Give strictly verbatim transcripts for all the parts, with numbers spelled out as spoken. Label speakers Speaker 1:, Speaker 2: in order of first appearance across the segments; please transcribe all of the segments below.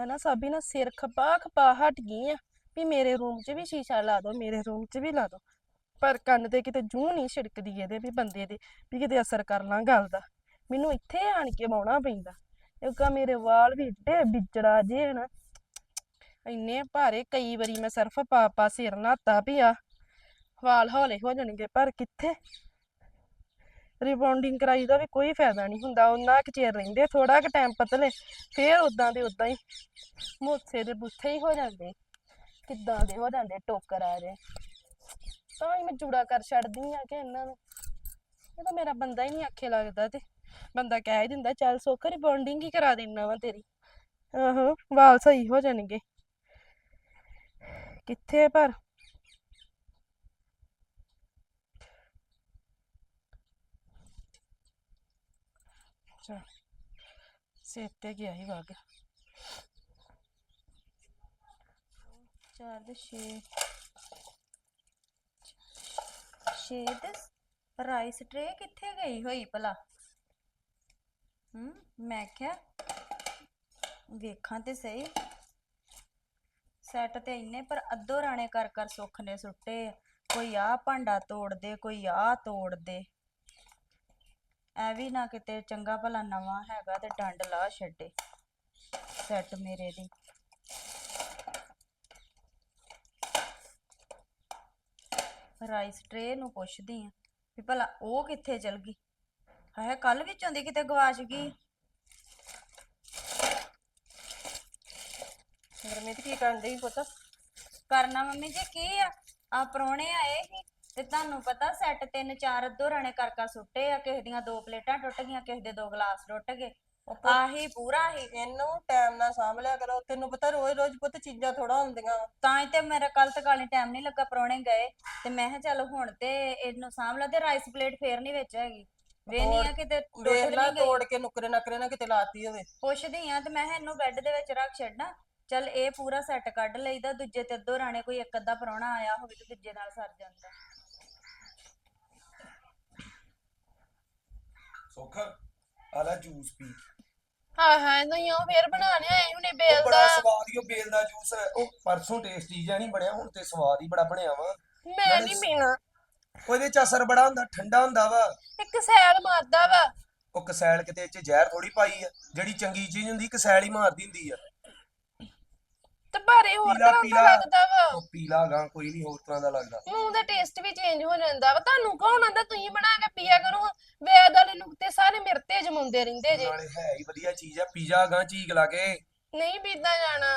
Speaker 1: ਮੈਂ ਨਾ ਸਾਬੀ ਨਾ ਸਿਰ ਖਪਾ ਖਪਾ ਹਟ ਗਈ ਆ ਵੀ ਮੇਰੇ ਰੂਮ 'ਚ ਵੀ ਸ਼ੀਸ਼ਾ ਲਾ ਦੋ, ਮੇਰੇ ਰੂਮ 'ਚ ਵੀ ਲਾ ਦੋ। ਪਰ ਕੰਨ ਤੇ ਕਿਤੇ ਜੂੰ ਨਹੀਂ ਛਿੜਕਦੀ ਇਹਦੇ ਵੀ ਬੰਦੇ ਦੇ ਵੀ ਕਿਤੇ ਅਸਰ ਕਰ ਲਾਂ ਗੱਲ ਦਾ। ਮੈਨੂੰ ਇੱਥੇ ਆਣ ਕੇ ਵਾਉਣਾ ਪੈਂਦਾ। ਇੱਕ ਆ ਮੇਰੇ ਵਾਲ ਵੀ ਏਡੇ ਵਿਚੜਾ ਜੇ ਨਾ, ਇੰਨੇ ਭਾਰੇ। ਕਈ ਵਾਰੀ ਮੈਂ ਸਰਫ ਪਾ ਪਾ ਸਿਰ ਨਹਾਤਾ ਵੀ ਆ ਵਾਲ ਹੌਲੇ ਹੋ ਜਾਣਗੇ, ਪਰ ਕਿੱਥੇ। ਰਿਬੌਂਡਿੰਗ ਕਰਾਈ ਦਾ ਵੀ ਕੋਈ ਫਾਇਦਾ ਨਹੀਂ ਹੁੰਦਾ। ਉਹਨਾਂ ਕੁ ਚਿਰ ਰਹਿੰਦੇ, ਥੋੜਾ ਕੁ ਟਾਈਮ ਪਤਲੇ, ਫੇਰ ਉਦਾਂ ਦੇ ਉਦਾਂ ਹੀ ਮੋਸੇ ਦੇ ਬੁੱਥੇ ਹੀ ਹੋ ਜਾਂਦੇ, ਕਿੱਦਾਂ ਦੇ ਹੋ ਜਾਂਦੇ ਟੋਕਰ ਆ ਜੇ। ਤਾਂ ਹੀ ਮੈਂ ਚੂੜਾ ਕਰ ਛੱਡਦੀ ਆ ਕਿ ਇਹਨਾਂ ਨੂੰ, ਇਹ ਤਾਂ ਮੇਰਾ ਬੰਦਾ ਹੀ ਨਹੀਂ ਆਖੇ ਲੱਗਦਾ। ਤੇ ਬੰਦਾ ਕਹਿ ਹੀ ਦਿੰਦਾ ਚੱਲ ਸੁੱਖ ਰਿਬੌਂਡਿੰਗ ਹੀ ਕਰਾ ਦੇਣਾ ਵਾ ਤੇਰੀ, ਆਹੋ ਵਾਲ ਸਹੀ ਹੋ ਜਾਣਗੇ। ਕਿੱਥੇ ਪਰ ਸਿਰ ਤੇ ਗਿਆ ਹੀ ਵਗ।
Speaker 2: ਚਾਰ ਦੇ ਛੇ ਛੇ ਤੇ ਰਾਈਸ ਟਰੇ ਕਿੱਥੇ ਗਈ ਹੋਈ ਭਲਾ? ਹੂੰ ਮੈਂ ਕਿਹਾ ਵੇਖਾਂ ਤੇ ਸਹੀ, ਸੈੱਟ ਤੇ ਇੰਨੇ ਪਰ ਅੱਧੋ ਰਾਣੇ ਕਰ ਕਰ ਸੁੱਖ ਨੇ ਸੁੱਟੇ ਆ। ਕੋਈ ਆ ਭਾਂਡਾ ਤੋੜ ਦੇ, ਕੋਈ ਆ ਤੋੜ ਦੇ। ਐ ਵੀ ਨਾ ਕਿਤੇ ਚੰਗਾ ਭਲਾ ਨਵਾਂ ਹੈਗਾ ਤੇ ਡੰਡ ਲਾ ਛੱਡੇ ਸੈੱਟ ਮੇਰੇ ਦੀ। ਰਾਈਸ ਟਰੇ ਨੂੰ ਪੁੱਛਦੀ ਆ ਵੀ ਭਲਾ ਉਹ ਕਿੱਥੇ ਚਲ ਗਈ। ਹਾਏ ਕੱਲ ਵਿੱਚੋਂ ਦੀ ਕਿਤੇ ਗਵਾਚ ਗਈ।
Speaker 1: ਗਰਮੀ ਤੇ ਕੀ ਕਰਨ ਡਈ ਪੁੱਤ?
Speaker 2: ਕਰਨਾ ਮੰਮੀ ਜੀ ਕੀ ਆ, ਆ ਪ੍ਰਾਹੁਣੇ ਆਏ ਸੀ ਤੇ ਤੁਹਾਨੂੰ ਪਤਾ ਸੈੱਟ ਤਿੰਨ ਚਾਰ ਅੱਧੋ ਰਾਣੇ ਕਰ ਕਰ ਸੁੱਟੇ ਆ। ਕਿਸੇ ਦੀਆਂ ਦੋ ਪਲੇਟਾਂ ਟੁੱਟ ਗਈਆਂ, ਕਿਸੇ ਦੇ ਦੋ ਗਲਾਸ ਟੁੱਟ ਗਏ। ਆਹੀ ਪੂਰਾ ਹੀ।
Speaker 1: ਇਹਨੂੰ ਟਾਈਮ ਨਾਲ ਸਾਂਭ ਲਿਆ ਕਰੋ, ਤੈਨੂੰ ਪਤਾ ਰੋਜ਼ ਰੋਜ਼ ਪੁੱਤ ਚੀਜ਼ਾਂ ਥੋੜਾ ਹੁੰਦੀਆਂ।
Speaker 2: ਤਾਂ ਹੀ ਤੇ ਮੇਰਾ ਕੱਲ ਤੱਕ ਵਾਲੀ ਟਾਈਮ ਨਹੀਂ ਲੱਗਾ, ਪ੍ਰਾਹੁਣੇ ਗਏ ਤੇ ਮੈਂ ਕਿਹਾ ਚੱਲ ਹੁਣ ਤੇ ਇਹਨੂੰ ਸਾਂਭ ਲਾ। ਤੇ ਰਾਈਸ ਪਲੇਟ ਫੇਰ ਨਹੀਂ ਵਿੱਚ ਹੈਗੀ, ਵੇਨੀ ਆ ਕਿਤੇ ਟੁੱਟ
Speaker 1: ਵੇਖ
Speaker 2: ਵੀ
Speaker 1: ਲਾ
Speaker 2: ਨਹੀਂ ਗਈ।
Speaker 1: ਤੋੜ ਕੇ ਨੁਕਰੇ ਨਕਰੇ ਨਾ ਕਿਤੇ ਲਾਤੀ ਹੋਵੇ।
Speaker 2: ਪੁੱਛਦੀ ਆ ਤੇ ਮੈਂ ਕਿਹਾ ਇਹਨੂੰ ਬੈੱਡ ਦੇ ਵਿੱਚ ਰੱਖ ਛੱਡਾਂ। ਚੱਲ ਇਹ ਪੂਰਾ ਸੈੱਟ ਕੱਢ ਲਈਦਾ, ਦੂਜੇ ਤੇ ਅੱਧੋ ਰਾਣੇ ਕੋਈ ਇੱਕ ਅੱਧਾ ਪ੍ਰਾਹੁਣਾ ਆਇਆ ਹੋਵੇ ਤੇ ਦੂਜੇ ਨਾਲ ਸਰ ਜਾਂਦਾ।
Speaker 3: ਸੁੱਖ ਆ ਲੈ ਜੂਸ ਪੀ।
Speaker 1: ਹਾਂ ਹਾਂ ਨਹੀਂ ਉਹ ਫੇਰ ਬਣਾ ਲਿਆ ਹੁਣੇ ਬੇਲ
Speaker 3: ਉਹ
Speaker 1: ਦਾ।
Speaker 3: ਬੜਾ ਸਵਾਦ ਹੀ ਉਹ ਬੇਲ ਦਾ ਜੂਸ। ਉਹ ਪਰਸੋਂ ਟੇਸਟੀ ਜਿਹਾ ਨਹੀਂ ਬਣਿਆ, ਹੁਣ ਤੇ ਸਵਾਦ ਹੀ ਬੜਾ ਬਣਿਆ ਵਾ।
Speaker 1: ਮੈਂ ਨਹੀਂ ਪੀਣਾ।
Speaker 3: ਉਹਦੇ ਚ ਅਸਰ ਬੜਾ ਹੁੰਦਾ, ਠੰਡਾ ਹੁੰਦਾ ਵਾ।
Speaker 1: ਇੱਕ ਸੈਲ ਮਾਰਦਾ ਵਾ।
Speaker 3: ਉਹ ਕਸੈਲ ਕਿਤੇ ਚ ਜ਼ਹਿਰ ਥੋੜੀ ਪਾਈ ਆ, ਜਿਹੜੀ ਚੰਗੀ ਚੀਜ਼ ਹੁੰਦੀ ਕਸੈਲ ਹੀ ਮਾਰਦੀ ਹੁੰਦੀ ਆ।
Speaker 1: ਤੇ ਭਾਰੇ ਹੋਰ
Speaker 3: ਪੀਲਾ
Speaker 1: ਤਰ੍ਹਾਂ ਦਾ
Speaker 3: ਪੀਲਾ
Speaker 1: ਲੱਗਦਾ ਵਾ।
Speaker 3: ਉਹ ਪੀਲਾ ਗਾ ਕੋਈ ਨਹੀਂ ਹੋਰ ਤਰ੍ਹਾਂ ਦਾ ਲੱਗਦਾ।
Speaker 1: ਮੂੰਹ ਦਾ ਟੇਸਟ ਵੀ ਚੇਂਜ ਹੋ ਜਾਂਦਾ ਵਾ। ਤੁਹਾਨੂੰ ਕੌਣ ਆਂਦਾ ਤੁਸੀਂ ਬਣਾ ਕੇ ਪੀਆ ਕਰੋ। ਵੇਦ ਵਾਲੇ ਨੁਕਤੇ ਸਾਰੇ ਮੇਰੇ ਤੇ ਜਮਾਉਂਦੇ ਰਹਿੰਦੇ ਜੇ।
Speaker 3: ਨਾਲੇ ਹੈ ਹੀ ਵਧੀਆ ਚੀਜ਼ ਆ, ਪੀਜ਼ਾ ਗਾ ਚੀਕ ਲਾ ਕੇ।
Speaker 1: ਨਹੀਂ ਪੀਦਾ ਜਾਣਾ।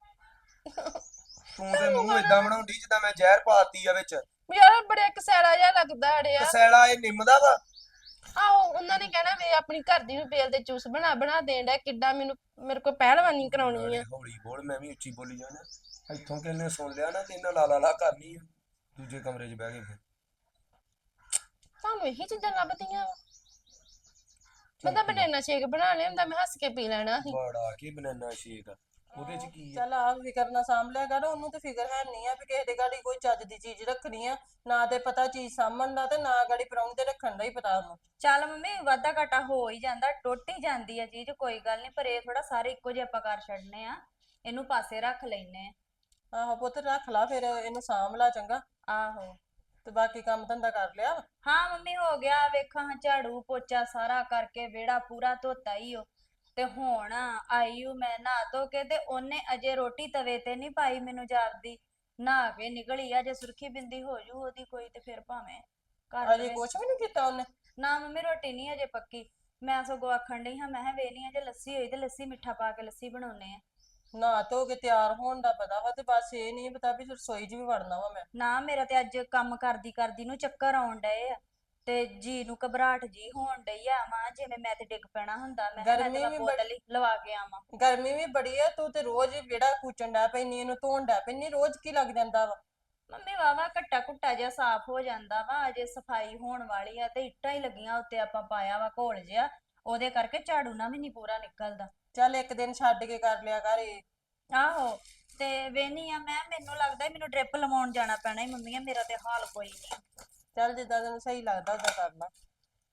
Speaker 3: ਤੂੰ ਤੇ ਮੂੰਹ ਏਦਾਂ ਬਣਾਉਂਦੀ ਜਿੱਦਾਂ ਮੈਂ ਜ਼ਹਿਰ ਪਾਤੀ ਆ ਵਿੱਚ।
Speaker 1: ਯਾਰ ਬੜਾ ਕਸੈਲਾ ਜਿਹਾ ਲੱਗਦਾ ਅੜਿਆ।
Speaker 3: ਕਸੈਲਾ ਇਹ ਨਿੰਮ ਦਾ ਵਾ।
Speaker 1: ਆਹੋ ਉਹਨਾਂ ਨੇ ਕਹਿਣਾ ਵੇ ਆਪਣੀ ਘਰ ਦੀ ਨੂੰ ਬੇਲ ਦੇ ਜੂਸ ਬਣਾ ਬਣਾ ਦੇਣ ਡਿਆ। ਕਿੱਡਾ ਮੈਨੂੰ ਮੇਰੇ ਕੋਲ ਪਹਿਲਵਾਨੀ ਕਰਾਉਣੀ ਆ।
Speaker 3: ਹੌਲੀ ਬੋਲ, ਮੈਂ ਵੀ ਉੱਚੀ ਬੋਲੀ ਜਾਣਾ। ਇੱਥੋਂ ਕਿੰਨੇ ਸੁਣ ਲਿਆ ਨਾ ਤੇ ਇਹਨਾਂ ਲਾ ਲਾ ਲਾ ਕਰਨੀ ਆ। ਦੂਜੇ ਕਮਰੇ 'ਚ ਬਹਿ ਕੇ ਫਿਰ
Speaker 1: ਤੁਹਾਨੂੰ ਇਹੀ ਚੀਜ਼ਾਂ ਲੱਭਦੀਆਂ ਵਾ। ਬੰਦਾ ਬਨਾਨਾ ਸ਼ੇਕ ਬਣਾ ਲਿਆ ਹੁੰਦਾ, ਮੈਂ ਹੱਸ ਕੇ ਪੀ ਲੈਣਾ ਸੀ।
Speaker 3: ਬੜਾ ਕੀ ਬਨਾਨਾ ਸ਼ੇਕ ਉਹਦੇ 'ਚ ਕੀ ਆ?
Speaker 1: ਚੱਲ ਆ ਫਿਕਰ ਨਾ ਸਾਂਭ ਲਿਆ ਕਰ। ਉਹਨੂੰ ਤੇ ਫਿਕਰ ਹੈ ਨਹੀਂ ਆ ਵੀ ਕਿਸੇ ਦੇ ਗਾੜੀ ਕੋਈ ਚੱਜ ਦੀ ਚੀਜ਼ ਰੱਖਣੀ ਆ। ਨਾ ਤੇ ਪਤਾ ਚੀਜ਼ ਸਾਂਭਣ ਦਾ ਤੇ ਨਾ ਗਾੜੀ ਪਰਾਉਣ ਤੇ ਰੱਖਣ ਦਾ ਹੀ ਪਤਾ ਉਹਨੂੰ।
Speaker 2: ਚੱਲ ਮੰਮੀ ਵਾਧਾ ਘਾਟਾ ਹੋ ਹੀ ਜਾਂਦਾ, ਟੁੱਟ ਹੀ ਜਾਂਦੀ ਆ ਚੀਜ਼, ਕੋਈ ਗੱਲ ਨਹੀਂ। ਪਰ ਇਹ ਥੋੜਾ ਸਾਰੇ ਇੱਕੋ ਜਿਹੇ ਆਪਾਂ ਕਰ ਛੱਡਨੇ ਆ, ਇਹਨੂੰ ਪਾਸੇ ਰੱਖ ਲੈਨੇ ਆ।
Speaker 1: ਆਹੋ ਪੁੱਤ ਰੱਖ ਲਾ, ਫਿਰ ਇਹਨੂੰ ਸਾਂਭ ਲਾ ਚੰਗਾ।
Speaker 2: ਆਹੋ
Speaker 1: ਤੇ ਬਾਕੀ ਕੰਮ ਧੰਦਾ ਕਰ ਲਿਆ।
Speaker 2: ਹਾਂ ਮੰਮੀ ਹੋ ਗਿਆ। ਵੇਖਾਂ ਝਾੜੂ ਪੋਚਾ ਸਾਰਾ ਕਰਕੇ ਵਿਹੜਾ ਪੂਰਾ ਧੋਤਾ ਹੀ ਉਹ। ਤੇ ਹੁਣ ਆਈ ਹੂੰ ਮੈਂ ਨਹਾ ਧੋ ਕੇ, ਤੇ ਉਹਨੇ ਅਜੇ ਰੋਟੀ ਤਵੇ ਤੇ ਨਹੀਂ ਪਾਈ ਮੈਨੂੰ ਜਾਪਦੀ। ਨਹਾ ਕੇ ਨਿਕਲੀ ਆ, ਜੇ ਸੁਰਖੀ ਬਿੰਦੀ ਹੋ ਜੂ ਉਹਦੀ ਕੋਈ ਤੇ ਫਿਰ ਭਾਵੇਂ ਕਰ
Speaker 1: ਅਜੇ
Speaker 2: ਲਵੇ।
Speaker 1: ਕੁਛ ਵੀ ਨਹੀਂ ਕੀਤਾ ਉਹਨੇ?
Speaker 2: ਨਾ ਮੰਮੀ ਰੋਟੀ ਨਹੀਂ ਅਜੇ ਪੱਕੀ। ਮੈਂ ਸਗੋਂ ਆਖਣ ਡਈ ਹਾਂ, ਮੈਂ ਕਿਹਾ ਵੇਹਨੀ ਆ ਜੇ ਲੱਸੀ ਹੋਈ ਤੇ ਲੱਸੀ ਮਿੱਠਾ ਪਾ ਕੇ ਲੱਸੀ ਬਣਾਉਨੇ ਆ।
Speaker 1: ਨਹਾ ਧੋ ਕੇ ਤਿਆਰ ਹੋਣ ਦਾ ਪਤਾ ਵਾ, ਤੇ ਬਸ ਇਹ ਨਹੀਂ ਪਤਾ ਵੀ ਰਸੋਈ 'ਚ ਵੀ ਵੜਨਾ ਵਾ ਮੈਂ।
Speaker 2: ਨਾ ਮੇਰਾ ਤੇ ਅੱਜ ਕੰਮ ਕਰਦੀ ਕਰਦੀ ਨੂੰ ਚੱਕਰ ਆਉਣ ਡਏ ਆ, ਤੇ ਜੀ ਨੂੰ ਘਬਰਾਹਟ ਜੀ ਹੋਣ ਡਈ ਆ। ਮਾਂ ਜਿਵੇਂ ਮੈਂ ਤੇ ਡਿੱਗ ਪੈਣਾ ਹੁੰਦਾ। ਮੈਂ ਕਿਹਾ ਮੈਂ ਤੇ ਮੈਂ ਬੋਤਲ ਹੀ ਲਵਾ ਕੇ ਆਵਾਂ।
Speaker 1: ਗਰਮੀ ਵੀ ਬੜੀ ਆ। ਤੂੰ ਤੇ ਰੋਜ਼ ਹੀ ਵਿਹੜਾ ਕੂਚਣ ਡੈ ਪੈਂਦੀ, ਇਹਨੂੰ ਧੋਣ ਡੈ ਪੈਂਦੀ। ਰੋਜ਼ ਕੀ ਲੱਗ ਜਾਂਦਾ ਵਾ?
Speaker 2: ਮੰਮੀ ਵਾਵਾ ਘੱਟਾ ਘੁੱਟਾ ਜਿਹਾ ਸਾਫ਼ ਹੋ ਜਾਂਦਾ ਵਾ। ਅਜੇ ਸਫਾਈ ਹੋਣ ਵਾਲੀ ਆ ਤੇ ਇੱਟਾਂ ਹੀ ਲੱਗੀਆਂ ਉੱਤੇ ਆਪਾਂ ਪਾਇਆ ਵਾ ਘੋਲ ਜਿਹਾ, ਉਹਦੇ ਕਰਕੇ ਝਾੜੂ ਨਾ ਵੀ ਨਹੀਂ ਪੂਰਾ ਨਿਕਲਦਾ।
Speaker 1: ਚੱਲ ਇੱਕ ਦਿਨ ਛੱਡ ਕੇ ਕਰ ਲਿਆ ਕਰ ਇਹ।
Speaker 2: ਆਹੋ ਤੇ ਵੇਹਨੀ ਆ ਮੈਂ, ਮੈਨੂੰ ਲੱਗਦਾ ਮੈਨੂੰ ਡ੍ਰਿਪ ਲਵਾਉਣ ਜਾਣਾ ਪੈਣਾ ਹੀ ਮੰਮੀ। ਮੇਰਾ ਤੇ ਹਾਲ ਕੋਈ ਨਹੀਂ।
Speaker 1: ਚੱਲ ਜਿੱਦਾਂ ਤੈਨੂੰ ਸਹੀ ਲੱਗਦਾ ਉਦਾਂ ਕਰ ਲਾ।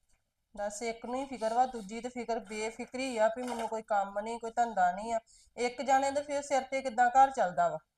Speaker 4: ਦੱਸ ਇੱਕ ਨੂੰ ਹੀ ਫਿਕਰ ਵਾ, ਦੂਜੀ ਤੇ ਫਿਕਰ ਬੇਫਿਕਰੀ ਆ ਵੀ ਮੈਨੂੰ ਕੋਈ ਕੰਮ ਨਹੀਂ, ਕੋਈ ਧੰਦਾ ਨਹੀਂ ਆ। ਇੱਕ ਜਾਣੇ ਦੇ ਫਿਰ ਸਿਰ ਤੇ ਕਿੱਦਾਂ ਘਰ ਚੱਲਦਾ ਵਾ।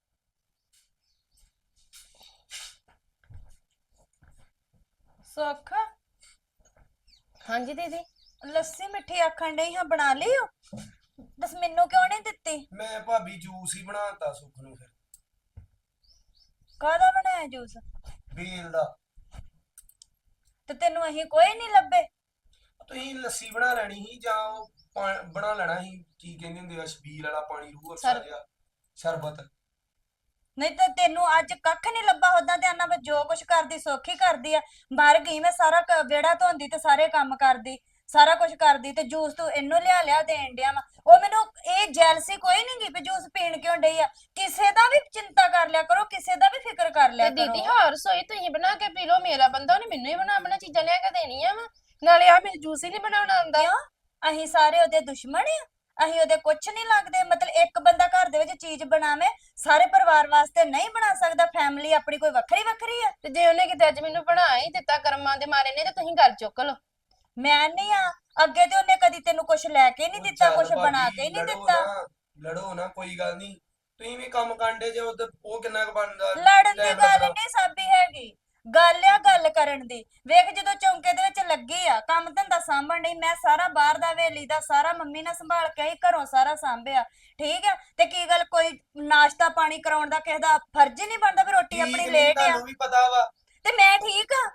Speaker 2: ਸੁੱਖ,
Speaker 1: ਹਾਂਜੀ ਦੀਦੀ।
Speaker 2: ਲੱਸੀ ਮਿੱਠੀ ਆਖਣ ਡਈ ਹਾਂ, ਬਣਾ ਲਈ ਓ? ਦੱਸ ਮੈਨੂੰ ਕਿਉਂ ਨਹੀਂ ਦਿੱਤੀ?
Speaker 3: ਮੈਂ ਭਾਬੀ ਜੂਸ ਹੀ ਬਣਾਤਾ ਸੁੱਖ ਨੂੰ ਫਿਰ।
Speaker 2: ਕਾਹਦਾ ਬਣਾਇਆ ਜੂਸ?
Speaker 3: ਬੇਲ ਦਾ।
Speaker 2: ਤੇ ਤੈਨੂੰ ਅਸੀਂ ਕੋਈ ਨਹੀਂ ਲੱਭੇ?
Speaker 3: ਤੁਸੀਂ ਲੱਸੀ ਬਣਾ ਲੈਣੀ ਸੀ ਜਾਂ ਉਹ ਪਾ- ਬਣਾ ਲੈਣਾ ਸੀ, ਕੀ ਕਹਿੰਦੇ ਹੁੰਦੇ ਆ, ਛਬੀਲ ਵਾਲਾ ਪਾਣੀ, ਰੂਹ ਅਫਜ਼ਾ
Speaker 1: ਸ਼ਰ-
Speaker 3: ਜਿਹਾ ਸ਼ਰਬਤ।
Speaker 2: ਨਹੀਂ ਤਾਂ ਤੈਨੂੰ ਅੱਜ ਕੱਖ ਨਹੀਂ ਲੱਭਾ। ਉਦਾਂ ਤੇ ਆਨਾ ਵਿੱਚ ਜੋ ਕੁਛ ਕਰਦੀ ਸੌਖੀ ਕਰਦੀ ਆ। ਬਾਹਰ ਗਈ ਮੈਂ ਸਾਰਾ ਕ- ਵਿਹੜਾ ਧੋਂਦੀ ਤੇ ਸਾਰੇ ਕੰਮ ਕਰਦੀ, ਸਾਰਾ ਕੁਝ ਕਰਦੀ, ਤੇ ਜੂਸ ਤੂੰ ਇਹਨੂੰ ਲਿਆ ਲਿਆ ਦੇਣ ਡਿਆ ਵਾ। ਉਹ ਮੈਨੂੰ ਇਹ ਜੈਲਸੀ ਕੋਈ ਨਹੀਂ ਗੀ ਵੀ ਜੂਸ ਪੀਣ ਕਿਉਂ ਡਈ ਆ। ਕਿਸੇ ਦਾ ਵੀ ਚਿੰਤਾ ਕਰ ਲਿਆ ਕਰੋ, ਕਿਸੇ ਦਾ ਵੀ ਫਿਕਰ ਕਰ ਲਿਆ
Speaker 1: ਤੇ
Speaker 2: ਕਰੋ।
Speaker 1: ਦੀਦੀ ਹਾਂ ਰਸੋਈ ਤੁਸੀਂ ਬਣਾ ਕੇ ਪੀ ਲਓ, ਮੇਰਾ ਬੰਦਾ ਉਹਨੇ ਮੈਨੂੰ ਹੀ ਬਣਾ ਬਣਾ ਚੀਜ਼ਾਂ ਲਿਆ ਕੇ ਦੇਣੀਆਂ ਵਾ। ਨਾਲੇ ਆ ਮੈਨੂੰ ਜੂਸ ਹੀ ਨਹੀਂ ਬਣਾਉਣਾ ਆਉਂਦਾ।
Speaker 2: ਕਿਉਂ? ਅਸੀਂ ਸਾਰੇ ਉਹਦੇ ਦੁਸ਼ਮਣ ਆ? ਅਸੀਂ ਉਹਦੇ ਕੁਛ ਨਹੀਂ ਲੱਗਦੇ? ਮਤਲਬ ਇੱਕ ਬੰਦਾ ਘਰ ਦੇ ਵਿੱਚ ਚੀਜ਼ ਬਣਾਵੇ, ਸਾਰੇ ਪਰਿਵਾਰ ਵਾਸਤੇ ਨਹੀਂ ਬਣਾ ਸਕਦਾ? ਫੈਮਿਲੀ ਆਪਣੀ ਕੋਈ ਵੱਖਰੀ ਵੱਖਰੀ ਆ?
Speaker 1: ਤੇ ਜੇ ਉਹਨੇ ਕਿਤੇ ਅੱਜ ਮੈਨੂੰ ਬਣਾ ਹੀ ਦਿੱਤਾ ਕਰਮਾਂ ਦੇ ਮਾਰੇ ਨੇ, ਤੇ ਤੁਸੀਂ ਗੱਲ ਚੁੱਕ ਲਓ।
Speaker 2: ਮੈਂ ਨਹੀਂ ਆ ਅੱਗੇ ਤੇ ਉਹਨੇ ਕਦੀ ਤੈਨੂੰ ਕੁਛ ਲੈ ਕੇ ਨਹੀਂ
Speaker 3: ਉਹ
Speaker 2: ਦਿੱਤਾ,
Speaker 3: ਚੱਲ
Speaker 2: ਕੁਛ ਬਣਾ
Speaker 3: ਭਾਬੀ,
Speaker 2: ਕੇ ਹੀ ਨਹੀਂ
Speaker 3: ਲੜੋ
Speaker 2: ਦਿੱਤਾ।
Speaker 3: ਨਾ, ਲੜੋ ਨਾ, ਕੋਈ ਗੱਲ ਨਹੀਂ। ਤੁਸੀਂ ਵੀ ਕੰਮ ਕਾਂਡੇ ਜੇ ਉਧਰ, ਉਹ ਕਿੰਨਾ ਕੁ ਬਣਦਾ
Speaker 2: ਲੜਨ ਦੀ
Speaker 3: ਟਾਈਮ
Speaker 2: ਗੱਲ
Speaker 3: ਲੱਗਦਾ।
Speaker 2: ਨਹੀਂ ਸਾਬੀ ਹੈਗੀ, ਗੱਲ ਆ ਗੱਲ ਕਰਨ ਦੀ। ਵੇਖ ਜਦੋਂ ਚੌਂਕੇ ਦੇ ਵਿੱਚ ਲੱਗੀ ਆ ਕੰਮ ਧੰਦਾ ਸਾਂਭਣ ਡਈ, ਮੈਂ ਸਾਰਾ ਬਾਹਰ ਦਾ ਹਵੇਲੀ ਦਾ ਸਾਰਾ ਮੰਮੀ ਨਾਲ ਸੰਭਾਲ ਕੇ ਆਈ, ਘਰੋਂ ਸਾਰਾ ਸਾਂਭਿਆ, ਠੀਕ ਆ। ਤੇ ਕੀ ਗੱਲ ਕੋਈ ਨਾਸ਼ਤਾ ਪਾਣੀ ਕਰਾਉਣ ਦਾ ਕਿਸੇ ਦਾ ਫਰਜ਼ ਹੀ ਨਹੀਂ ਬਣਦਾ ਵੀ ਰੋਟੀ
Speaker 3: ਠੀਕ
Speaker 2: ਆਪਣੀ
Speaker 3: ਨੀ,
Speaker 2: ਲੇਟ ਆ?
Speaker 3: ਤੁਹਾਨੂੰ ਵੀ ਪਤਾ ਵਾ।
Speaker 2: ਤੇ ਮੈਂ ਠੀਕ ਆ?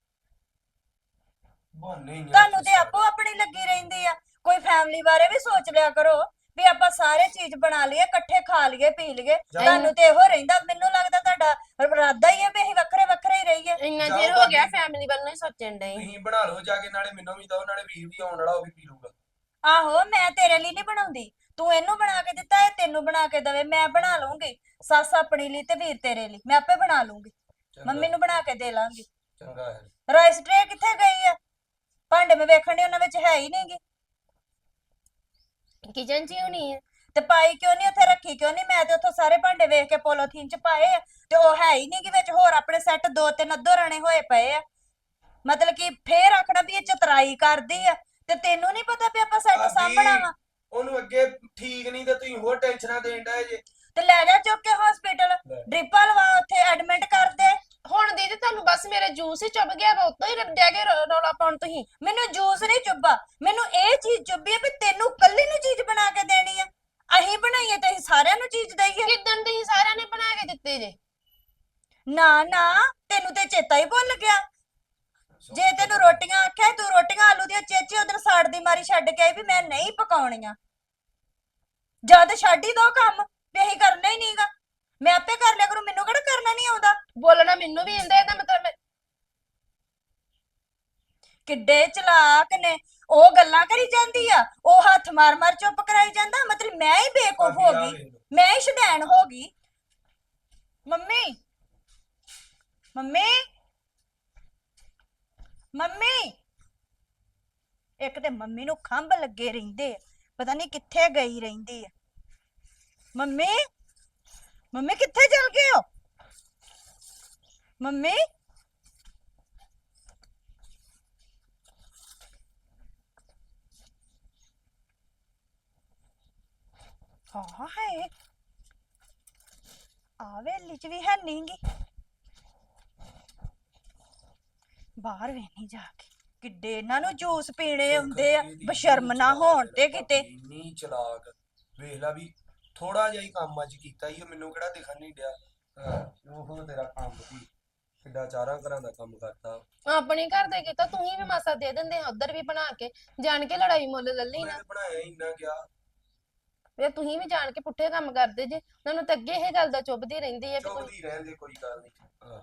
Speaker 3: ਬਹਾਨੇ ਹੀ ਆ
Speaker 2: ਤੁਹਾਨੂੰ ਤੇ
Speaker 3: ਸਾਰੇ।
Speaker 2: ਆਪੋ ਆਪਣੀ ਲੱਗੀ ਰਹਿੰਦੀ ਆ। ਕੋਈ ਫੈਮਿਲੀ ਬਾਰੇ ਵੀ ਸੋਚ ਲਿਆ ਕਰੋ ਵੀ ਆਪਾਂ ਸਾਰੇ ਚੀਜ਼ ਬਣਾ ਲਈਏ, ਇਕੱਠੇ ਖਾ ਲਈਏ, ਪੀ ਲਈਏ। ਤੁਹਾਨੂੰ ਤੇ ਇਹੋ ਰਹਿੰਦਾ। ਮੈਨੂੰ ਲੱਗਦਾ ਤੁਹਾਡਾ ਇਰਾਦਾ ਹੀ ਹੈ ਵੀ ਅਸੀਂ ਵੱਖਰੇ ਵੱਖਰੇ ਹੀ ਰਹੀਏ।
Speaker 1: ਇੰਨਾ
Speaker 3: ਜਾਓ
Speaker 1: ਚਿਰ ਹੋ ਗਿਆ
Speaker 3: ਭਾਬੀ।
Speaker 1: ਫੈਮਿਲੀ ਵੱਲੋਂ ਹੀ ਸੋਚਣ ਡਏ।
Speaker 3: ਤੁਸੀਂ ਬਣਾ ਲਓ ਜਾ ਕੇ, ਨਾਲੇ ਮੈਨੂੰ ਵੀ ਦਿਓ, ਨਾਲੇ ਵੀਰ ਵੀ ਆਉਣ ਵਾਲਾ, ਉਹ ਵੀ ਪੀ ਲੂਗਾ।
Speaker 2: ਆਹੋ, ਮੈਂ ਤੇਰੇ ਲਈ ਨਹੀਂ ਬਣਾਉਂਦੀ, ਤੂੰ ਇਹਨੂੰ ਬਣਾ ਕੇ ਦਿੱਤਾ, ਇਹ ਤੈਨੂੰ ਬਣਾ ਕੇ ਦਵੇ। ਮੈਂ ਬਣਾ ਲੂੰਗੀ, ਸੱਸ ਆਪਣੀ ਲਈ ਤੇ ਵੀਰ ਤੇਰੇ ਲਈ, ਮੈਂ ਆਪੇ ਬਣਾ ਲੂੰਗੀ।
Speaker 3: ਚੰਗਾ,
Speaker 2: ਮੰਮੀ ਨੂੰ ਬਣਾ ਕੇ ਦੇ ਲਾਂਗੀ।
Speaker 3: ਚੰਗਾ ਹੈ।
Speaker 2: ਰਾਈਸ ਟਰੇ ਕਿੱਥੇ ਗਈ ਆ? ਭਾਂਡੇ ਮੈਂ ਵੇਖਣ ਡਈ ਉਹਨਾਂ ਵਿੱਚ ਹੈ ਹੀ ਨਹੀਂਗੀ।
Speaker 1: ਕਿਚਨ 'ਚ ਹੀ ਹੋਣੀ ਹੈ।
Speaker 2: ਤੇ ਪਾਈ ਕਿਉਂ ਨਹੀਂ ਉੱਥੇ, ਰੱਖੀ ਕਿਉਂ ਨਹੀਂ? ਮੈਂ ਤੇ ਉੱਥੋਂ ਸਾਰੇ ਭਾਂਡੇ ਵੇਖ ਕੇ ਪੋਲੋਥੀਨ ਚ ਪਾਏ ਆ, ਤੇ ਉਹ ਹੈ ਹੀ ਨਹੀਂਗੀ ਵਿੱਚ। ਹੋਰ ਆਪਣੇ ਸੈੱਟ ਦੋ ਤਿੰਨ ਅੱਧੋ ਰਣੇ ਹੋਏ ਪਏ ਆ। ਮਤਲਬ ਕਿ ਫੇਰ ਆਖਣਾ ਵੀ ਇਹ ਚਤਰਾਈ ਕਰਦੀ ਆ, ਤੇ ਤੈਨੂੰ ਨਹੀਂ ਪਤਾ ਵੀ ਆਪਾਂ ਸੈੱਟ
Speaker 3: ਭਾਬੀ,
Speaker 2: ਸਾਂਭਣਾ ਵਾ?
Speaker 3: ਉਹਨੂੰ ਅੱਗੇ ਠੀਕ ਨਹੀਂ ਤੇ ਤੁਸੀਂ ਹੋਰ ਟੈਨਸ਼ਨਾਂ ਦੇਣ ਡਏ ਜੇ।
Speaker 2: ਤੇ ਲੈ ਜਾ ਚੁੱਕ ਕੇ ਹਸਪੀਟਲ, ਡ੍ਰਿਪਾਂ ਲਵਾ, ਉੱਥੇ ਐਡਮਿਟ ਕਰ ਦੇ।
Speaker 1: ਹੁਣ ਦੀਦੀ ਤੁਹਾਨੂੰ ਬਸ ਮੇਰੇ ਜੂਸ ਹੀ ਚੁੱਭ ਗਿਆ ਵਾ, ਉਤੋਂ ਹੀ ਡਿਆ ਕੇ ਰੌ- ਰੌਲਾ ਪਾਉਣ ਤੁਸੀਂ।
Speaker 2: ਮੈਨੂੰ ਜੂਸ ਨਹੀਂ ਚੁੱਭਾ, ਮੈਨੂੰ ਇਹ ਚੀਜ਼ ਚੁੱਭੀ ਆ ਵੀ ਤੈਨੂੰ ਕੱਲੀ ਨੂੰ ਚੀਜ਼ ਬਣਾ ਕੇ ਦੇਣੀ ਆ। ਅਸੀਂ ਬਣਾਈਏ ਤੇ ਅਸੀਂ ਸਾਰਿਆਂ ਨੂੰ ਚੀਜ਼ ਦਈਏ?
Speaker 1: ਕਿੱਦਣ ਤੁਸੀਂ ਸਾਰਿਆਂ ਨੇ ਬਣਾ ਕੇ ਦਿੱਤੇ ਜੇ?
Speaker 2: ਨਾ ਨਾ, ਤੈਨੂੰ ਤੇ ਚੇਤਾ ਹੀ ਭੁੱਲ ਗਿਆ। ਜੇ ਤੈਨੂੰ ਰੋਟੀਆਂ ਆਖਿਆ ਤੂੰ ਰੋਟੀਆਂ ਆਲੂ ਦੀਆਂ ਚੇਚੇ ਉਧਰ ਸਾੜ ਦੀ ਮਾਰੀ ਛੱਡ ਕੇ ਆਈ ਵੀ ਮੈਂ ਨਹੀਂ ਪਕਾਉਣੀਆਂ। ਜਦ ਛੱਡ ਹੀ ਦੋ ਕੰਮ ਵੀ ਅਸੀਂ ਕਰਨਾ ਹੀ ਨਹੀਂਗਾ, ਮੈਂ ਆਪੇ ਕਰ ਲਿਆ ਕਰੂੰ, ਮੈਨੂੰ ਕਿਹੜਾ ਕਰਨਾ ਨਹੀਂ ਆਉਂਦਾ।
Speaker 1: ਬੋਲਣਾ ਮੈਨੂੰ ਵੀ ਆਉਂਦਾ, ਇਹਦਾ ਮਤਲਬ ਮੈਂ-
Speaker 2: ਕਿੱਡੇ ਚਲਾਕ ਨੇ ਉਹ, ਗੱਲਾਂ ਕਰੀ ਜਾਂਦੀ ਆ, ਉਹ ਹੱਥ ਮਾਰ ਮਾਰ ਚੁੱਪ ਕਰਾਈ ਜਾਂਦਾ। ਮਤਲਬ ਮੈਂ ਹੀ ਬੇਵਕੂਫ
Speaker 3: ਭਾਬੀ
Speaker 2: ਹੋ
Speaker 3: ਆ
Speaker 2: ਗਈ,
Speaker 3: ਵੇਖ ਲਓ।
Speaker 2: ਮੈਂ ਹੀ ਸ਼ੁਦੈਣ ਹੋ ਗਈ। ਮੰਮੀ ਮੰਮੀ ਮੰਮੀ, ਇੱਕ ਤੇ ਮੰਮੀ ਨੂੰ ਖੰਭ ਲੱਗੇ ਰਹਿੰਦੇ ਆ, ਪਤਾ ਨਹੀਂ ਕਿੱਥੇ ਗਈ ਰਹਿੰਦੀ ਆ। ਮੰਮੀ ਮੰਮੀ ਕਿੱਥੇ ਚਲ ਗਏ ਹੋ? ਮੰਮੀ ਹਾਂ ਹੈ, ਆ ਵੇਲੀ ਚ ਵੀ ਹੈ ਨਹੀਂਗੀ। ਬਾਹਰ ਵੇਖਣੀ ਜਾ ਕੇ, ਕਿੱਡੇ ਇਹਨਾਂ ਨੂੰ ਜੂਸ ਪੀਣੇ ਹੁੰਦੇ ਆ,
Speaker 3: ਇਹਦੀ
Speaker 2: ਬਸ਼ਰਮ
Speaker 3: ਇੰਨੀ
Speaker 2: ਨਾ
Speaker 3: ਚਲਾਕ
Speaker 2: ਹੋਣ
Speaker 3: ਹੈ
Speaker 2: ਤੇ
Speaker 3: ਨਾ
Speaker 2: ਕਿਤੇ।
Speaker 3: ਭਾਬੀ, ਇੰਨੀ ਚਲਾਕ। ਵੇਖ ਲਾ ਵੀ ਥੋੜਾ ਜਿਹਾ ਹੀ ਕੰਮ ਅੱਜ ਕੀਤਾ ਹੀ, ਮੈਨੂੰ ਕਿਹੜਾ ਦਿਖਣ ਨਹੀਂ ਡਿਆ। ਹਾਂ, ਉਹ ਤੇਰਾ ਕੰਮ ਸੀ, ਕਿੱਡਾ ਚਾਰਾਂ ਘਰਾਂ ਦਾ ਕੰਮ ਕਰਤਾ।
Speaker 1: ਆਪਣੇ ਘਰ ਦੇ ਕੀਤਾ, ਤੁਸੀਂ ਵੀ ਮਾਸਾ ਦੇ ਦਿੰਦੇ ਆ ਉਧਰ ਵੀ ਬਣਾ ਕੇ, ਜਾਣ ਕੇ ਲੜਾਈ ਮੁੱਲ ਲੱਲੀ
Speaker 3: ਮੈਂ
Speaker 1: ਨਾ।
Speaker 3: ਤੇ ਬਣਾਇਆ ਹੀ ਇੰਨਾ ਗਿਆ।
Speaker 1: ਫਿਰ ਤੁਸੀਂ ਵੀ ਜਾਣ ਕੇ ਪੁੱਠੇ ਕੰਮ ਕਰਦੇ ਜੇ, ਤੁਹਾਨੂੰ ਤਾਂ ਅੱਗੇ ਇਹ ਗੱਲ ਦਾ ਚੁੱਭਦੀ ਰਹਿੰਦੀ ਹੈ ਵੀ ਕੋਈ।
Speaker 3: ਚੁੱਭਦੀ ਰਹਿਣ ਦੇ, ਕੋਈ ਗੱਲ ਨਹੀਂ। ਹਾਂ,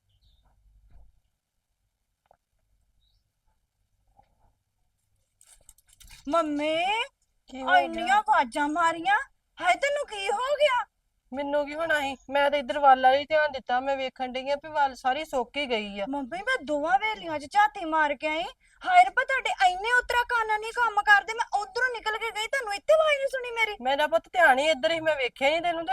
Speaker 2: ਮੰਮੀ
Speaker 1: ਕੀ
Speaker 2: ਆ ਇੰਨੀਆਂ ਆਵਾਜ਼ਾਂ ਮਾਰੀਆਂ, ਹਾਏ ਤੈਨੂੰ ਕੀ ਹੋ ਗਿਆ?
Speaker 4: ਮੈਨੂੰ ਕੀ ਹੋਣਾ ਸੀ, ਮੈਂ ਤਾਂ ਇੱਧਰ ਵੱਲ ਵਾਲੀ ਧਿਆਨ ਦਿੱਤਾ, ਮੈਂ ਵੇਖਣ ਡਈ ਆ ਵੀ ਵੱਲ ਸਾਰੀ ਸੁੱਕ ਹੀ ਗਈ ਆ।
Speaker 2: ਮੰਮੀ ਮੈਂ ਦੋਵਾਂ ਵੇਲੀਆਂ 'ਚ ਝਾਤੀ ਮਾਰ ਕੇ ਆਈ, ਹਾਏ ਰੱਬਾ ਤੁਹਾਡੇ ਇੰਨੇ ਉਤਰਾ ਕੰਨ ਨਹੀਂ ਕੰਮ ਕਰਦੇ। ਮੈਂ ਉਧਰੋਂ ਨਿਕਲ ਕੇ ਗਈ, ਤੁਹਾਨੂੰ ਇੱਥੇ ਆਵਾਜ਼ ਨਹੀਂ ਸੁਣੀ ਮੇਰੀ?
Speaker 4: ਮੇਰਾ ਪੁੱਤ ਧਿਆਨ ਹੀ ਇੱਧਰ ਹੀ, ਮੈਂ ਵੇਖਿਆ ਨਹੀਂ ਤੈਨੂੰ। ਤੇ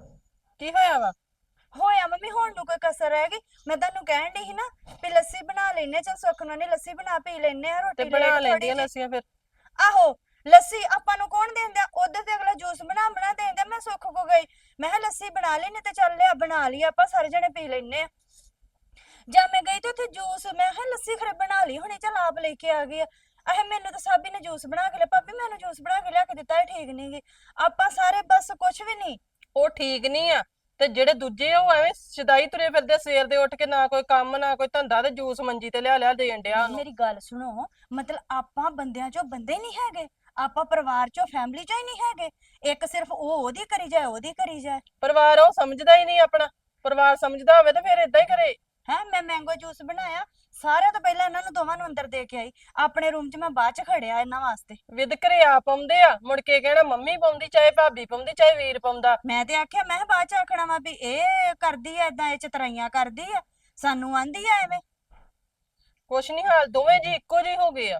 Speaker 4: ਕੀ ਹੋਇਆ ਵਾ?
Speaker 2: ਹੋਇਆ ਮੰਮੀ, ਹੁਣ ਨੂੰ ਕੋਈ ਕਸਰ ਰਹਿ ਗਈ? ਮੈਂ ਤੁਹਾਨੂੰ ਕਹਿਣ ਡਈ ਸੀ ਨਾ ਵੀ ਲੱਸੀ ਬਣਾ ਲੈਨੇ ਚਲ ਸੁੱਖ ਨਾਲ ਨਹੀਂ ਲੱਸੀ ਬਣਾ ਪੀ ਲੈਨੇ ਆ
Speaker 1: ਤੇ
Speaker 2: ਰੋਟੀ
Speaker 1: ਬਣਾ
Speaker 2: ਲੇਟ ਥੋੜੀ
Speaker 1: ਲੈਂਦੀਆਂ
Speaker 2: ਜਿਹੀ
Speaker 1: ਲੱਸੀਆਂ ਫਿਰ।
Speaker 2: ਆਹੋ ਲੱਸੀ ਆਪਾਂ ਨੂੰ ਕੌਣ ਦਿੰਦਾ ਉਧਰ ਤੇ ਅਗਲਾ ਜੂਸ ਬਣਾ ਬਣਾ ਦਿੰਦਾ ਮੈਂ ਸੁੱਖ ਕੋ ਗਈ ਮੈਂ ਕਿਹਾ ਲੱਸੀ ਬਣਾ ਲੈਨੇ ਤੇ ਚੱਲ ਲਿਆ ਬਣਾ ਲਈ ਆਪਾਂ ਸਾਰੇ ਜਣੇ ਪੀ ਲੈਨੇ ਆ ਜਾਂ ਮੈਂ ਗਈ ਤੇ ਉੱਥੇ ਜੂਸ ਮੈਂ ਕਿਹਾ ਲੱਸੀ ਖਰੇ ਬਣਾ ਲਈ ਹੁਣੇ ਚੱਲ ਆਪ ਲੈ ਕੇ ਆ ਗਈ ਆ ਅਹੇ ਮੈਨੂੰ ਤਾਂ ਸਾਬੀ ਨੇ ਜੂਸ ਬਣਾ ਕੇ ਲਿਆ ਭਾਬੀ ਮੈਨੂੰ ਜੂਸ ਬਣਾ ਕੇ ਲਿਆ ਕੇ ਦਿੱਤਾ ਇਹ ਠੀਕ ਨਹੀਂ ਗੀ ਆਪਾਂ ਸਾਰੇ ਬਸ ਕੁਛ ਵੀ ਨਹੀਂ
Speaker 1: ਉਹ ਠੀਕ ਨਹੀਂ ਆ ਤੇ ਜਿਹੜੇ ਦੂਜੇ ਆ, ਉਹ ਐਵੇਂ ਸ਼ਦਾਈ ਤੁਰੇ ਫਿਰਦੇ ਸਵੇਰ ਦੇ ਉੱਠ ਕੇ, ਨਾ ਕੋਈ ਕੰਮ ਨਾ ਕੋਈ ਧੰਦਾ, ਤੇ ਜੂਸ ਮੰਜੀ ਤੇ ਲਿਆ ਲਿਆ ਦੇਣ ਡਿਆ ਉਹਨੂੰ।
Speaker 2: ਮੇਰੀ ਗੱਲ ਸੁਣੋ ਮਤਲਬ ਆਪਾਂ ਬੰਦਿਆਂ ਚੋਂ ਬੰਦੇ ਨਹੀਂ ਹੈਗੇ ਆਪਾਂ ਪਰਿਵਾਰ ਚੋਂ ਫੈਮਿਲੀ ਚੋਂ ਹੀ ਨਹੀਂ ਹੈਗੇ ਇੱਕ ਸਿਰਫ ਉਹ ਉਹਦੀ ਕਰੀ ਜਾਏ ਉਹਦੀ ਕਰੀ ਜਾਏ
Speaker 1: ਪਰਿਵਾਰ ਉਹ ਸਮਝਦਾ ਹੀ ਨਹੀਂ ਆਪਣਾ। ਪਰਿਵਾਰ ਸਮਝਦਾ ਹੋਵੇ ਤੇ ਫਿਰ ਇਦਾਂ ਹੀ ਕਰੇ।
Speaker 2: ਹੈ ਮੈਂ ਮੈਂਗੋ ਜੂਸ ਬਣਾਇਆ ਸਾਰਿਆਂ ਤੋਂ ਪਹਿਲਾਂ ਇਹਨਾਂ ਨੂੰ ਦੋਵਾਂ ਨੂੰ ਅੰਦਰ ਦੇ ਕੇ ਆਈ ਆਪਣੇ ਰੂਮ 'ਚ ਮੈਂ ਬਾਅਦ 'ਚ ਖੜਿਆ ਇਹਨਾਂ ਵਾਸਤੇ
Speaker 1: ਵਿਦ ਘਰੇ ਆ ਪਾਉਂਦੇ ਆ, ਮੁੜ ਕੇ ਕਹਿਣਾ ਮੰਮੀ ਪਾਉਂਦੀ, ਚਾਹੇ ਭਾਬੀ ਪਾਉਂਦੀ, ਚਾਹੇ ਵੀਰ ਪਾਉਂਦਾ।
Speaker 2: ਮੈਂ ਤੇ ਆਖਿਆ ਮੈਂ ਕਿਹਾ ਬਾਅਦ 'ਚ ਆਖਣਾ ਵਾ ਵੀ ਇਹ ਕਰਦੀ ਐ ਏਦਾਂ ਇਹ ਚਤਰਾਈਆਂ ਕਰਦੀ ਆ ਸਾਨੂੰ ਆਂਦੀ ਆ ਐਵੇਂ
Speaker 1: ਕੁਛ ਨਹੀਂ ਹਾਲ, ਦੋਵੇਂ ਜੀ ਇੱਕੋ ਜਿਹੇ ਹੋ ਗਏ ਆ।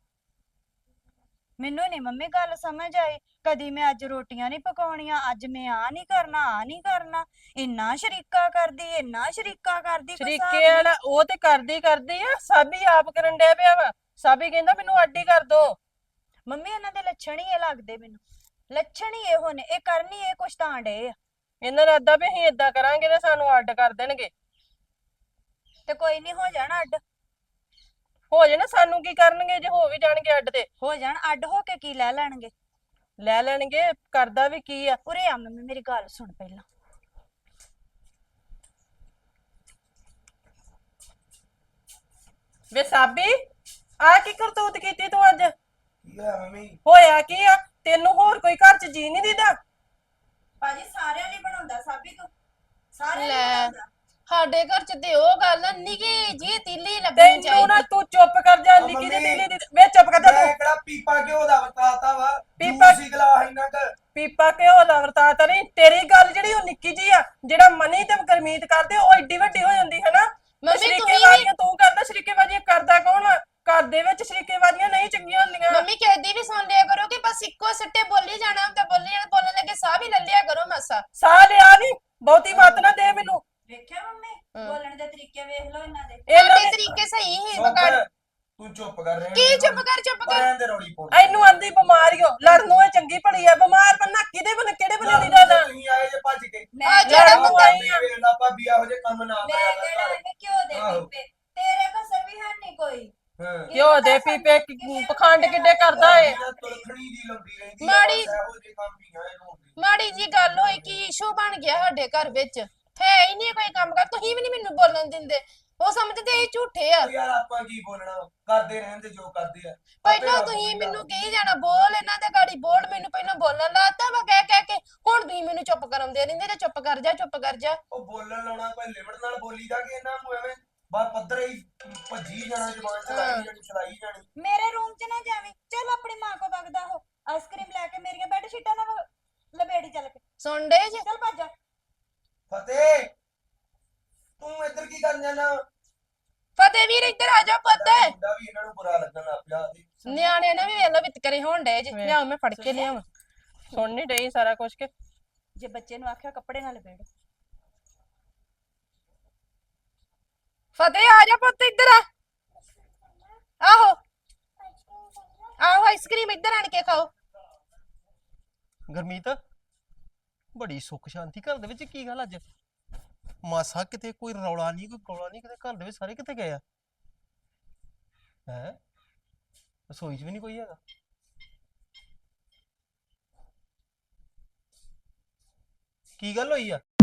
Speaker 2: ਮੈਨੂੰ ਨਹੀਂ ਮੰਮੀ ਗੱਲ ਸਮਝ ਆਈ ਕਦੀ ਮੈਂ ਅੱਜ ਰੋਟੀਆਂ ਨਹੀਂ ਪਕਾਉਣੀਆਂ ਅੱਜ ਮੈਂ ਆ ਨਹੀਂ ਕਰਨਾ ਆ ਨਹੀਂ ਕਰਨਾ ਇੰਨਾ ਸ਼ਰੀਕਾ ਕਰਦੀ ਇੰਨਾ ਸ਼ਰੀਕਾ ਕਰਦੀ ਕੋਈ ਹਿਸਾਬ
Speaker 1: ਸ਼ਰੀਕੇ ਵਾਲਾ ਉਹ ਤੇ ਕਰਦੀ ਕਰਦੀ ਆ, ਸਾਬੀ ਆਪ ਕਰਨ ਡਿਆ ਪਿਆ ਵਾ। ਸਾਬੀ ਕਹਿੰਦਾ ਮੈਨੂੰ ਅੱਡ ਹੀ ਕਰ ਦੋ।
Speaker 2: ਮੰਮੀ ਇਹਨਾਂ ਦੇ ਲੱਛਣ ਹੀ ਇਹ ਲੱਗਦੇ ਮੈਨੂੰ ਲੱਛਣ ਹੀ ਇਹੋ ਨੇ ਇਹ ਕਰਨੀ ਇਹ ਕੁਛ ਤਾਂ ਡੇ ਆ
Speaker 1: ਇਹਨਾਂ ਦਾ ਅੱਦਾ ਵੀ ਅਸੀਂ ਏਦਾਂ ਕਰਾਂਗੇ ਤੇ ਸਾਨੂੰ ਅੱਡ ਕਰ ਦੇਣਗੇ।
Speaker 2: ਤੇ ਕੋਈ ਨਹੀਂ ਹੋ ਜਾਣਾ ਅੱਡ
Speaker 1: ਹੋ ਜਾਣਾ, ਸਾਨੂੰ ਕੀ ਕਰਨਗੇ ਜੇ ਹੋ ਵੀ ਜਾਣਗੇ ਅੱਡ ਤੇ।
Speaker 2: ਹੋ ਜਾਣ ਅੱਡ ਹੋ ਕੇ ਕੀ ਲੈ ਲੈਣਗੇ
Speaker 1: ਲੈ ਲੈਣਗੇ, ਕਰਦਾ ਵੀ ਕੀ ਆ।
Speaker 2: ਉਰੇ ਆ ਮੰਮੀ ਮੇਰੀ ਗੱਲ ਸੁਣ ਪਹਿਲਾਂ
Speaker 1: ਵੇ ਸਾਬੀ ਆ ਕੀ ਕਰਤੂਤ ਕੀਤੀ ਤੂੰ ਅੱਜ?
Speaker 3: ਕੀ ਹੋਇਆ ਮੰਮੀ?
Speaker 1: ਹੋਇਆ ਕੀ ਆ? ਤੈਨੂੰ ਹੋਰ ਕੋਈ ਘਰ ਚ ਜੀ ਨਹੀਂ ਦਿੰਦਾ?
Speaker 2: ਭਾਜੀ ਸਾਰਿਆਂ ਲਈ ਬਣਾਉਂਦਾ ਸਾਬੀ ਤੂੰ ਸਾਰਿਆਂ ਲਈ
Speaker 5: ਲੈ
Speaker 2: ਬਣਾਉਂਦਾ
Speaker 5: ਸਾਡੇ ਘਰ ਚ ਤੇ ਉਹ ਗੱਲ ਨਿੱਕੀ ਜੀ ਤੀਲੀ ਲੱਗਣੀ
Speaker 1: ਤੈਨੂੰ ਨਾ
Speaker 5: ਚਾਹੀਦੀ।
Speaker 1: ਤੂੰ ਚੁੱਪ ਕਰ ਜਾ,
Speaker 3: ਉਹ
Speaker 1: ਨਿੱਕੀ ਜਿਹੀ
Speaker 3: ਮੰਮੀ,
Speaker 1: ਤੀਲੀ ਦੀ ਵੇ ਚੁੱਪ ਕਰ ਜਾ
Speaker 3: ਮੈਂ
Speaker 1: ਤੂੰ।
Speaker 3: ਕਿਹੜਾ ਪੀਪਾ ਘਿਓ ਦਾ ਵਰਤਾਤਾ ਵਾ
Speaker 1: ਪੀਪਾ-
Speaker 3: ਜੂਸ ਹੀ ਗਲਾਸ ਇੰਨਾ ਕੁ
Speaker 1: ਪੀਪਾ ਘਿਓ ਦਾ ਵਰਤਾਤ ਨਹੀਂ, ਤੇਰੀ ਗੱਲ ਜਿਹੜੀ ਉਹ ਨਿੱਕੀ ਜੀ ਆ। ਜਿਹੜਾ ਮਨੀ ਤੇ ਗਰਮੀਤ ਕਰਦੇ ਉਹ ਏਡੀ ਵੱਡੀ ਹੋ ਜਾਂਦੀ ਹੈ ਨਾ।
Speaker 5: ਮੰਮੀ
Speaker 1: ਸ਼ਰੀਕੇ
Speaker 5: ਤੁਸੀਂ ਵੀ-
Speaker 1: ਬਾਜ਼ੀਆਂ ਤੂੰ ਕਰਦਾ, ਸ਼ਰੀਕੇ ਬਾਜ਼ੀਆਂ ਕਰਦਾ ਕੌਣ ਆ? ਘਰ ਦੇ ਵਿੱਚ ਸ਼ਰੀਕੇ ਬਾਜ਼ੀਆਂ ਨਹੀਂ ਚੰਗੀਆਂ ਹੁੰਦੀਆਂ।
Speaker 5: ਮੰਮੀ ਕਹਿਦੀ ਵੀ ਸੁਣ ਲਿਆ ਕਰੋ ਕਿ ਬਸ ਇੱਕੋ ਸੱਟੇ ਬੋਲੀ ਜਾਣਾ ਤੇ ਬੋਲੀ ਜਾਣਾ ਬੋਲਣ ਲੱਗੇ ਸਾਹ ਵੀ ਲੈ ਲਿਆ ਕਰੋ ਮਾਸਾ।
Speaker 1: ਸਾਹ ਲਿਆ ਨਹੀਂ, ਬਹੁਤੀ ਮੱਤ ਨਾ ਦੇ ਮੈਨੂੰ।
Speaker 2: ਵੇਖਿਆ ਮੰਮੀ ਬੋਲਣ ਦੇ ਤਰੀਕੇ ਵੇਖ ਲਓ ਇਹਨਾਂ ਦੇ
Speaker 1: ਇਹਨਾਂ
Speaker 5: ਸਾਡੇ
Speaker 1: ਨੇ
Speaker 5: ਤਰੀਕੇ ਸਹੀ ਹੀ
Speaker 3: ਚੁੱਪ
Speaker 5: ਬਗੜ
Speaker 3: ਤੂੰ ਚੁੱਪ ਕਰ ਰਿਹਾ
Speaker 5: ਕੀ ਚੁੱਪ ਕਰ ਚੁੱਪ ਕਰ
Speaker 3: ਰਹਿਣ ਦੇ ਰੌਲੀ ਪਾਉਣ
Speaker 1: ਇਹਨੂੰ ਆਂਦੀ ਬਿਮਾਰੀਓ, ਲੜਨੋਂ ਇਹ ਚੰਗੀ ਭਲੀ ਆ। ਬਿਮਾਰ ਬੰਨਾ ਕਿਹਦੇ ਬੰਨੇ ਕਿਹੜੇ ਬੰਨੇ ਦੀ ਦਾ
Speaker 3: ਤੁਸੀਂ ਆਏ ਜੇ ਭੱਜ ਕੇ
Speaker 2: ਮੈਂ
Speaker 5: ਆ ਜਿਹੜਾ
Speaker 1: ਲੜਨ ਨੂੰ
Speaker 5: ਬੰਦਾ
Speaker 1: ਆਈ ਆ।
Speaker 3: ਵੇਖਦਾ ਭਾਬੀ ਇਹੋ ਜਿਹੇ ਕੰਮ ਨਾ
Speaker 2: ਮੈਂ
Speaker 3: ਕਰਿਆ
Speaker 2: ਕਿਹੜਾ
Speaker 3: ਕਰ
Speaker 2: ਇਹਨੇ ਕਿਉਂ ਦੇ
Speaker 3: ਆਹੋ।
Speaker 2: ਪੀਪੇ ਤੇਰੇ ਕਸਰ ਵੀ ਹੈ ਨਹੀਂ ਕੋਈ
Speaker 3: ਹਾਂ
Speaker 1: ਘਿਓ ਦੇ ਪੀਪੇ ਕੀ- ਪਖੰਡ ਕਿੱਡੇ ਕਰਦਾ ਏ।
Speaker 3: ਤੁਲਖਣੀ ਦੀ ਲੰਦੀ ਰਹਿੰਦੀ
Speaker 5: ਮਾੜੀ-
Speaker 3: ਇਹੋ ਜਿਹੇ ਕੰਮ ਹੀ ਆ ਇਹਨੂੰ ਹੁੰਦੇ।
Speaker 5: ਮਾੜੀ ਜੀ ਗੱਲ ਹੋਈ ਕਿ ਇਸ਼ੂ ਬਣ ਗਿਆ ਸਾਡੇ ਘਰ ਵਿੱਚ ਹੈ ਹੀ ਨਹੀਂ ਕੋਈ ਕੰਮ ਕਰ ਤੁਸੀਂ ਵੀ ਨਹੀਂ ਮੈਨੂੰ ਬੋਲਣ ਦਿੰਦੇ ਉਹ ਸਮਝਦੇ ਇਹ ਝੂਠੇ ਆ।
Speaker 3: ਉਹ ਯਾਰ ਆਪਾਂ ਕੀ ਬੋਲਣਾ ਕਰਦੇ ਰਹਿੰਦੇ ਜੋ ਕਰਦੇ ਆ
Speaker 5: ਪਹਿਲਾਂ ਤੁਸੀਂ ਮੈਨੂੰ ਕਹੀ ਜਾਣਾ ਬੋਲ ਇਹਨਾਂ ਦੇ ਗਾੜੀ ਬੋਲ ਮੈਨੂੰ ਪਹਿਲਾਂ ਬੋਲਣ ਲਾਤਾ ਵਾ ਕਹਿ ਕਹਿ ਕੇ ਹੁਣ ਤੁਸੀਂ ਮੈਨੂੰ ਚੁੱਪ ਕਰਾਉਂਦੇ ਰਹਿੰਦੇ ਤੇ ਚੁੱਪ ਕਰ ਜਾ ਚੁੱਪ ਕਰ ਜਾ।
Speaker 3: ਉਹ ਬੋਲਣ ਲਾਉਣਾ ਕੋਈ ਲਿਮਟ ਨਾਲ ਬੋਲੀਦਾ ਕਿ ਇਹਨਾਂ ਨੂੰ ਐਵੇਂ ਬਾਹਰ ਪੱਧਰ ਹੀ ਭੱਜੀ ਜਾਣਾ ਜ਼ਬਾਨ ਚਲਾਈ ਜਾਣੀ ਚਲਾਈ ਜਾਣੀ।
Speaker 2: ਮੇਰੇ ਰੂਮ 'ਚ ਨਾ ਜਾਵੀਂ ਚੱਲ ਆਪਣੀ ਮਾਂ ਕੋ ਵਗਦਾ ਹੋ ਆਈਸਕ੍ਰੀਮ ਲੈ ਕੇ ਮੇਰੀਆਂ ਬੈੱਡ ਸ਼ੀਟਾਂ ਨਾਲ ਲਪੇੜੀ ਚੱਲ ਕੇ
Speaker 5: ਸੁਣ ਡੇ ਜੇ
Speaker 2: ਚੱਲ ਭੱਜ ਜਾ
Speaker 3: ਫਤਿਹ ਤੂੰ ਇੱਧਰ ਕੀ ਕਰਨ ਜਾਣਾ?
Speaker 5: ਫਤਿਹ ਵੀਰ ਇੱਧਰ ਆ ਜਾ ਪੁੱਤ।
Speaker 3: ਮੁੰਡਾ ਵੀ ਇਹਨਾਂ ਨੂੰ ਬੁਰਾ ਲੱਗਣ ਲੱਗ ਪਿਆ ਤੇ
Speaker 5: ਨਿਆਣੇ ਨੇ ਵੀ ਵੇਲਾ ਵਿਤਕਰੇ ਹੋਣ ਡੇ ਜੇ
Speaker 1: ਲਿਆ ਮੈਂ ਫੜ ਕੇ ਲਿਆਵਾਂ। ਸੁਣ ਨਹੀਂ ਡਈ ਸਾਰਾ ਕੁਝ ਕੇ।
Speaker 2: ਜੇ ਬੱਚੇ ਨੂੰ ਆਖਿਆ ਕੱਪੜੇ ਨਾਲ ਲਪੇੜ
Speaker 5: ਫਤਿਹ ਆ ਜਾ ਪੁੱਤ ਇੱਧਰ ਆ। ਆਹੋ ਆਹੋ ਆਈਸਕ੍ਰੀਮ ਇੱਧਰ ਆਣ ਕੇ ਖਾਓ।
Speaker 6: ਗਰਮੀਤ ਬੜੀ ਸੁੱਖ ਸ਼ਾਂਤੀ ਘਰ ਦੇ ਵਿੱਚ ਕੀ ਗੱਲ ਅੱਜ? ਮਾਸਾ ਕਿਤੇ ਕੋਈ ਰੌਲਾ ਨਹੀਂ ਕੋਈ ਗੌਲਾ ਨਹੀਂ ਕਿਤੇ ਘਰ ਦੇ ਵਿੱਚ ਸਾਰੇ ਕਿੱਥੇ ਗਏ ਆ? ਹੈ ਰਸੋਈ 'ਚ ਵੀ ਨਹੀਂ ਕੋਈ ਹੈਗਾ। ਕੀ ਗੱਲ ਹੋਈ ਆ?